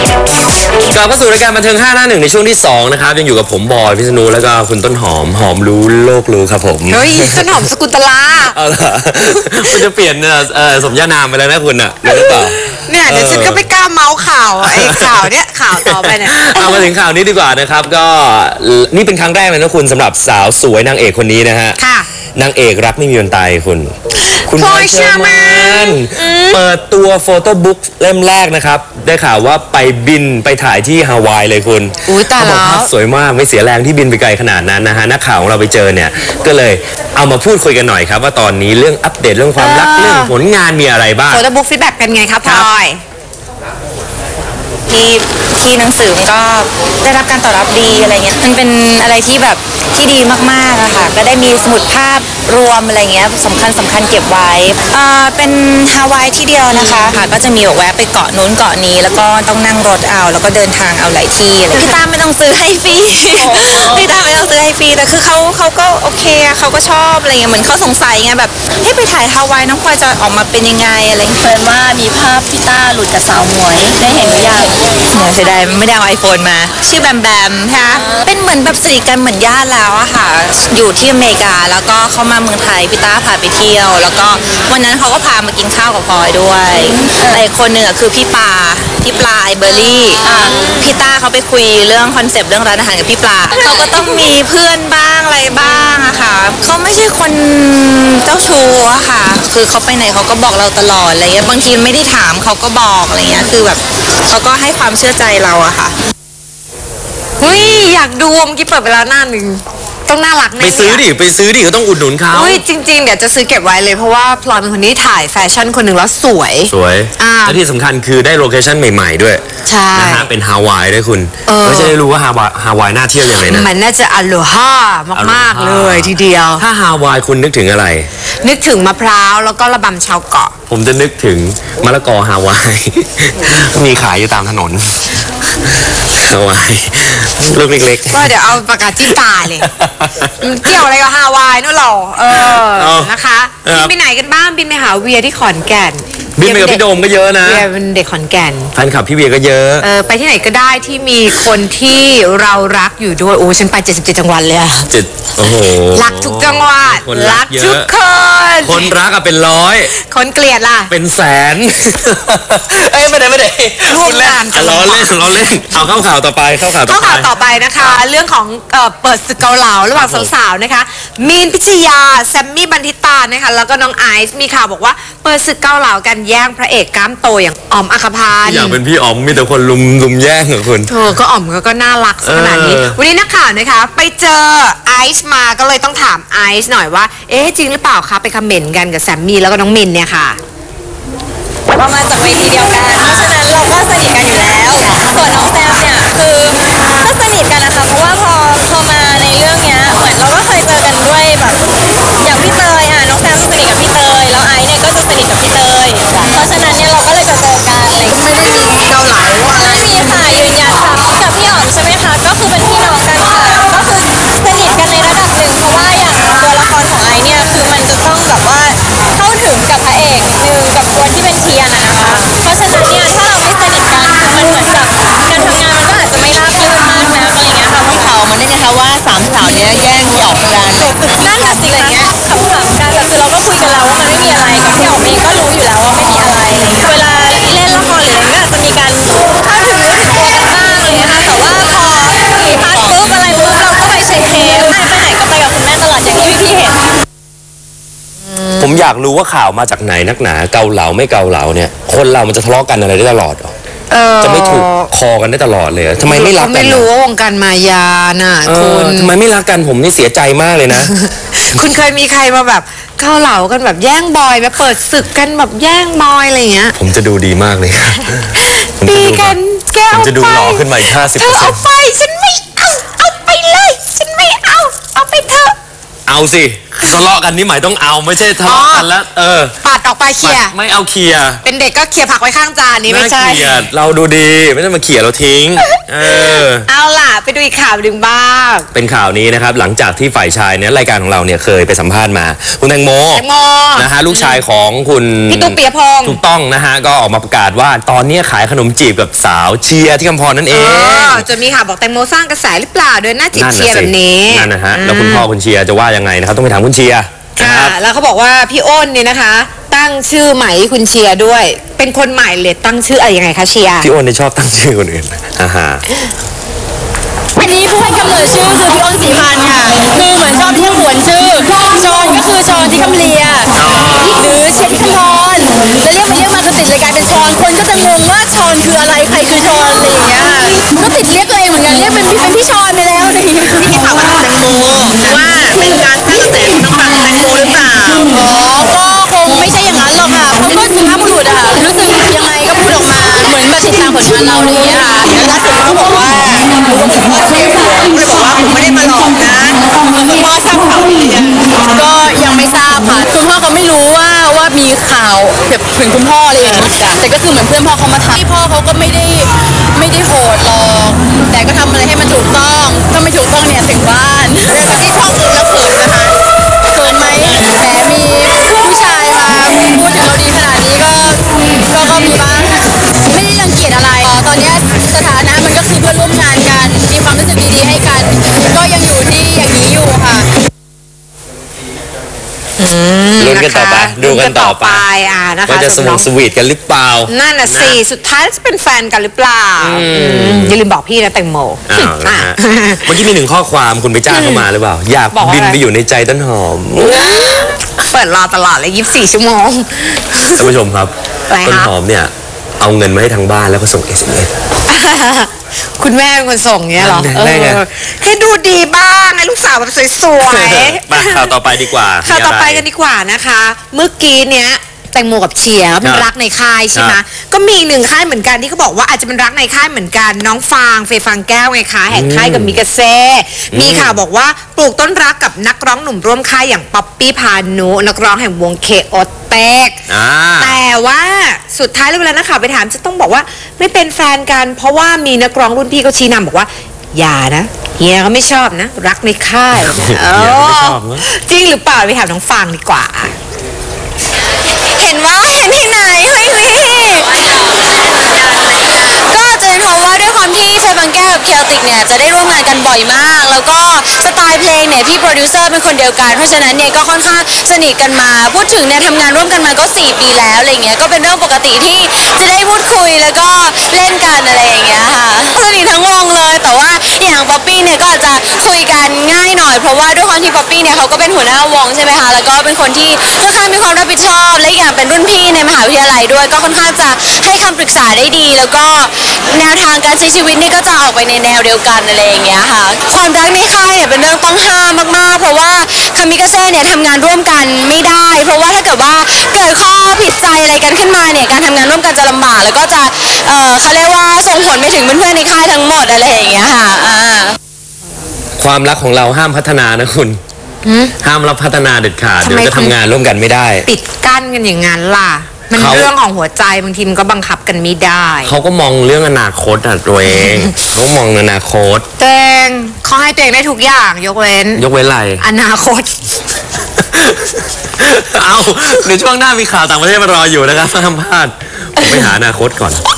กลับเข้าสู่รายการบันเทิง5 หน้า 1ในช่วงที่2นะครับยังอยู่กับผมบอยพิษณุแล้วก็คุณต้นหอมรู้โลกรู้ครับผมเฮ้ยต้นหอมสกุลตลาเอาล่ะคุณจะเปลี่ยนสมญานามไปแล้วนะคุณอ่ะหรือเปล่าเนี่ยเดี๋ยวฉันก็ไม่กล้าเมาส์ข่าวไอ้ข่าวเนี้ยข่าวต่อไปเนี่ยเอามาถึงข่าวนี้ดีกว่านะครับก็นี่เป็นครั้งแรกเลยนะคุณสำหรบสาวสวยนางเอกคนนี้นะฮะนางเอกรักไม่มีวันตายคุณพลอยเชอร์แมนเปิดตัวโฟโต้บุ๊กเล่มแรกนะครับได้ข่าวว่าไปบินไปถ่ายที่ฮาวายเลยคุณเขาบอกภาพสวยมากไม่เสียแรงที่บินไปไกลขนาดนั้นนะฮะนักข่าวของเราไปเจอเนี่ยก็เลยเอามาพูดคุยกันหน่อยครับว่าตอนนี้เรื่องอัปเดตเรื่องความรักเรื่องผลงานมีอะไรบ้างโฟโต้บุ๊กฟีดแบ็กเป็นไงครับพลอยที่หนังสือมันก็ได้รับการตอบรับดีอะไรเงี้ยมันเป็นอะไรที่แบบที่ดีมากๆอะค่ะก็ได้มีสมุดภาพรวมอะไรเงี้ยสำคัญเก็บไว้เป็นฮาวายที่เดียวนะคะค่ะก็จะมีแวะไปเกาะนู้นเกาะนี้แล้วก็ต้องนั่งรถเอาแล้วก็เดินทางเอาหลายที่อะไรพี่ตาไม่ต้องซื้อให้ฟรีพี่ตาไม่ต้องซื้อให้ฟรีแต่คือเขาก็โอเคเขาก็ชอบอะไรเงี้ยเหมือนเขาสงสัยไงแบบให้ไปถ่ายฮาวายน้องพลอยจะออกมาเป็นยังไงอะไรเพิ่นว่ามีภาพพี่ตาหลุดกับสาวหมวยได้เห็นหรือยังเสียดายไม่ได้เอาไอโฟนมาชื่อแบมแบมค่ะเป็นเหมือนแบบสนิทกันเหมือนญาติแล้วอะค่ะอยู่ที่อเมริกาแล้วก็เขามาเมืองไทยพี่ต้าพาไปเที่ยวแล้วก็วันนั้นเขาก็พามากินข้าวกับพลอยด้วยแต่อีกคนหนึ่งคือพี่ปลาไอเบอร์รี่พี่ต้าเขาไปคุยเรื่องคอนเซปต์เรื่องร้านอาหารกับพี่ปลาเขาก็ต้องมีเพื่อนบ้างอะไรบ้างอะค่ะเขาไม่ใช่คนเจ้าชู้อะค่ะคือเขาไปไหนเขาก็บอกเราตลอดอะไรเงี้ยบางทีไม่ได้ถามเขาก็บอกอะไรเงี้ยคือแบบเขาก็ให้ความเชื่อใจเราอะค่ะเฮ้ยอยากดูเมื่อกี้เปิดไปแล้วหน้าหนึ่งต้องน่ารักแน่ไปซื้อดิก็ต้องอุดหนุนเขาจริงๆเดี๋ยวจะซื้อเก็บไว้เลยเพราะว่าพลอยเป็นคนที่ถ่ายแฟชั่นคนหนึ่งแล้วสวยและที่สำคัญคือได้โลเคชั่นใหม่ๆด้วยใช่นะฮะเป็นฮาวายด้วยคุณก็จะได้รู้ว่าฮาวายน่าเที่ยวยังไงนะมันน่าจะอโลฮามากๆเลยทีเดียวถ้าฮาวายคุณนึกถึงอะไรนึกถึงมะพร้าวแล้วก็ระบำชาวเกาะผมจะนึกถึงมะละกอฮาวายมีขายอยู่ตามถนนฮาวายลูกเล็กๆก็เดี๋ยวเอาปากกาจิ้มตาเลยเกี่ยวอะไรกับฮาวายนู่นหรอนะคะบินไปไหนกันบ้างบินไปหาเวียที่ขอนแก่นบินไปกับพี่โดมก็เยอะนะเวียเป็นเด็กขอนแก่นแฟนคลับพี่เวียก็เยอะไปที่ไหนก็ได้ที่มีคนที่เรารักอยู่ด้วยโอ้ฉันไป77จังหวัดเลยอะโอ้โหรักทุกจังหวัดรักทุกคนรักอะเป็นร้อยคนเกลียดล่ะเป็นแสนไม่ได้ร่วมงานกันล้อเล่นเอาเข้าข่าวต่อไปนะคะเรื่องของเปิดศึกเกาเหลาระหว่างสาวๆนะคะมีนพิชยาแซมมี่บันทิตานะคะแล้วก็น้องไอซ์มีข่าวบอกว่าเปิดศึกเกาเหลากันแย่งพระเอกกล้ามโตอย่างอ๋อมอัครพันธ์อย่างเป็นพี่อ๋อมมีแต่คนลุมแย่งเหรอคุณก็อ๋อมก็น่ารักขนาดนี้วันนี้นักข่าวนะคะไปเจอไอซ์มาก็เลยต้องถามไอซ์หน่อยว่าจริงหรือเปล่าคะไปคอมเมนต์กันกับแซมมี่แล้วก็น้องมินเนี่ยค่ะเรามาจากเวทีเดียวกันเพราะฉะนั้นเราก็สนิทกันอยู่แล้วส่วนน้องแซมเนี่ยคือก็สนิทกันนะคะเพราะว่าพอมาในเรื่องเนี้ยเหมือนเราก็เคยเจอกันด้วยแบบอย่างพี่เตยน้องแซมสนิทกับพี่เตยแล้วไอซ์เนี่ยก็จะสนิทกับพี่เตยเพราะฉะนั้นเนี่ยเราก็เลยจะเจอกันอะไรไม่ได้มีเกาเหลาไม่มีค่ะยืนยันค่ะกับพี่อ๋อมใช่ไหมคะก็คือเป็นพี่น้องกันค่ะก็คือสนิทกันในระดับหนึ่งเพราะว่าอย่างตัวละครของไอซ์เนี่ยคือมันจะต้องแบบว่าเข้าถึงกับพระเอกนิดนึงกับตัวที่เป็นเทียนนะคะเพราะฉะนั้นเนี่ยถ้าเราไม่สนิทกันคือมันเหมือนกับการทำงานมันก็อาจจะไม่ราบรื่นมากนะอะไรเงี้ยค่ะพี่เขามันได้ไงคะว่าสามสาวเนี้ยแย่งพี่อ๋อมกันนั่นแหละสิอะไรเงี้ยขำๆกันแต่คือเราก็คุยกันแล้วว่ามันไม่มีอะไรกับพี่อ๋อมเองก็รู้อยู่แล้วว่าไม่มีอะไรเวลาเล่นละครหรืออะไรก็อาจจะมีการเข้าถึงเนื้อถึงตัวกันบ้างอะไรเงี้ยค่ะแต่ว่าพอมีพาร์ทปุ๊บอะไรปุ๊บเราก็ไปเช็คเทปไปไหนก็ไปกับคุณแม่ตลอดอย่างที่พี่เห็นผมอยากรู้ว่าข่าวมาจากไหนนักหนาเกาเหลาไม่เกาเหลาเนี่ยคนเรามันจะทะเลาะกันอะไรได้ตลอดจะไม่ถูกคอกันได้ตลอดเลยทำไมไม่รักกันไม่รู้ว่าวงการมายาน่ะคุณทำไมไม่รักกันผมนี่เสียใจมากเลยนะคุณเคยมีใครมาแบบเกาเหลากันแบบแย่งบอยมาเปิดศึกกันแบบแย่งบอยอะไรอย่างเงี้ยผมจะดูดีมากเลยตีกันแกเอาไปจะดูหล่อขึ้นมาอีก50% เธอเอาไปฉันไม่เอาไปเลยฉันไม่เอาไปเถอะเอาสิทะเลาะกันนี่หมายต้องเอาไม่ใช่ทะเลาะกันแล้วปัดออกไปเคลียร์ไม่เอาเคลียร์เป็นเด็กก็เคลียร์ผักไว้ข้างจานนี้ไม่ใช่เคลียร์เราดูดีไม่ต้องมาเคลียร์เราทิ้งเอาล่ะไปดูอีกข่าวหนึ่งบ้างเป็นข่าวนี้นะครับหลังจากที่ฝ่ายชายเนี่ยรายการของเราเนี่ยเคยไปสัมภาษณ์มาคุณแตงโมนะฮะลูกชายของคุณพี่ตุ๊ก ปิยพงษ์ถูกต้องนะฮะก็ออกมาประกาศว่าตอนนี้ขายขนมจีบกับสาวเชียร์ที่คำพรนั่นเองจนมีข่าวบอกแตงโมสร้างกระแสหรือเปล่าเดินหน้าจีบเชียร์แบบนี้นั่นนะฮะแล้วคุณพ่อคุณเชียร์จะว่ายังไงนะครับต้องไปถามคุณเชียร์แล้วเขาบอกว่าพี่อ้นเนี่ยนะคะ ตั้งชื่อใหม่คุณเชียร์ด้วยเป็นคนใหม่เลยตั้งชื่ออะไรยังไงคะเชียร์พี่อ้นเนี่ยชอบตั้งชื่อคนอื่นอันนี้ผู้ให้กำเนิดชื่อคือพี่อ้นศรีพันธ์ค่ะคือเหมือนชอบที่ขวนชื่อชอนก็คือชอนที่คำเลียหรือเชียร์ที่คำพรจะเรียกมาคือติดเลยกลายเป็นชอนคนก็จะงงว่าชอนคืออะไรใครคือชอนอะไรอย่างเงี้ยก็ติดเรียกตัวเองเหมือนกันเรียกเป็นพี่ชอนไปแล้วอะไรอย่างเงี้ยที่ข่าวว่าแตงโมว่าเป็นการสร้างกระแสน้องฟังแตงโมหรือเปล่าก็คงไม่ใช่อย่างนั้นหรอกค่ะเขาก็สุภาพบุรุษอะค่ะรู้สึกยังไงก็พูดออกมาเหมือนแบบติดตามผลงานเราอะไรอย่างเงี้ยค่ะแล้วล่าสุดเขาบอกว่าพ่อเสียหัวก็เลยบอกว่าผมไม่ได้มาหลอกนะคุณพ่อทราบข่าวหรือยังก็ยังไม่ทราบค่ะคุณพ่อก็ไม่รู้ว่ามีข่าวแบบถึงคุณพ่ออะไรอย่างเงี้ยแต่ก็คือเหมือนเพื่อนพ่อเขามาทำที่พ่อเขาก็ไม่ได้โหดหรอกแต่ก็ทำอะไรให้มันถูกต้องถ้าไม่ถูกต้องเนี่ยถึงบ้านเรื่องที่ช่องอื่นแล้วเขินนะคะเขินไหมแหมมีผู้ชายมาพูดถึงเราดีขนาดนี้ก็มีบ้างไม่ได้รังเกียจอะไรตอนนี้สถานะมันก็คือเพื่อนร่วมงานกันมีความรู้สึกดีๆให้กันก็ยังอยู่ที่อย่างนี้อยู่ค่ะลุ้นกันต่อไปดูกันต่อไปนะคะว่าจะสวีทสวีทกันหรือเปล่านั่นน่ะสิสุดท้ายจะเป็นแฟนกันหรือเปล่าอย่าลืมบอกพี่นะแตงโมเมื่อกี้มีหนึ่งข้อความคุณไปจ้างเข้ามาหรือเปล่าอยากบินไปอยู่ในใจต้นหอมเปิดรอตลอดเลย24 ชั่วโมงท่านผู้ชมครับต้นหอมเนี่ยเอาเงินมาให้ทางบ้านแล้วก็ส่ง SMS คุณแม่เป็นคนส่งเงี้ยหรอให้ดูดีบ้างให้ลูกสาวแบบสวยๆมาข่าวต่อไปดีกว่าข่าวต่อไปกันดีกว่านะคะเมื่อกี้เนี้ยแตงโมกับเชียร์เป็นรักในค่ายใช่ไหมก็มีหนึ่งค่ายเหมือนกันที่เขาบอกว่าอาจจะเป็นรักในค่ายเหมือนกันน้องฟางเฟย์ฟางแก้วไงคะแห่งค่ายกับมิกาเซ่มีข่าวบอกว่าปลูกต้นรักกับนักร้องหนุ่มร่วมค่ายอย่างป๊อปปี้พานุนักร้องแห่งวงเคโอเต็กแต่ว่าสุดท้ายแล้วเวลานักข่าวไปถามจะต้องบอกว่าไม่เป็นแฟนกันเพราะว่ามีนักร้องรุ่นพี่เขาชี้นำบอกว่าอย่านะเฮียเขาไม่ชอบนะรักในค่ายจริงหรือเปล่าไปถามน้องฟางดีกว่าเห็นที่ไหนเฮ้ยก็จะเป็นเพราะว่าด้วยความที่เฟย์ฟางแก้วกับเคลติกเนี่ยจะได้ร่วมงานกันบ่อยมากแล้วก็สไตล์เพลงเนี่ยพี่โปรดิวเซอร์เป็นคนเดียวกันเพราะฉะนั้นเนี่ยก็ค่อนข้างสนิทกันมาพูดถึงเนี่ยทำงานร่วมกันมาก็4 ปีแล้วอะไรเงี้ยก็เป็นเรื่องปกติที่จะได้พูดคุยแล้วก็เล่นกันอะไรอย่างเงี้ยค่ะสนิททั้งวงเลยแต่ว่าอย่างป๊อปปี้เนี่ยก็อาจจะคุยกันง่ายหน่อยเพราะว่าด้วยความที่ป๊อปปี้เนี่ยเขาก็เป็นหัวหน้าวงใช่ไหมคะแล้วก็เป็นคนที่ค่อนข้างมีความรับผิดชอบและอย่างเป็นรุ่นพี่ในมหาวิทยาลัยด้วยก็ค่อนข้างจะให้คำปรึกษาได้ดีแล้วก็แนวทางการใช้ชีวิตนี่ก็จะออกไปในแนวเดียวกันอะไรอย่างเงี้ยค่ะความรักในค่ายเนี่ยเป็นเรื่องต้องห้ามมากๆเพราะว่าคามิกาเซ่เนี่ยทำงานร่วมกันไม่ได้เพราะว่าถ้าเกิดว่าเกิดข้อผิดใจอะไรกันขึ้นมาเนี่ยการทำงานร่วมกันจะลำบากแล้วก็จะเขาเรียกว่าส่งผลไปถึงเพื่อนๆในค่ายทั้งหมดอะไรอย่างเงี้ยค่ะความรักของเราห้ามพัฒนานะคุณห้ามรับพัฒนาเด็ดขาดเดี๋ยวจะทำงานร่วมกันไม่ได้ปิดกั้นกันอย่างนั้นล่ะมันเรื่องของหัวใจบางทีมันก็บังคับกันไม่ได้เขาก็มองเรื่องอนาคตอ่ะตัวเองเขามองอนาคตตัวเองเขาให้ตัวเองได้ทุกอย่างยกเว้นอะไรอนาคตเอาในช่วงหน้ามีข่าวต่างประเทศมารออยู่นะครับห้ามพลาดผมไปหาอนาคตก่อน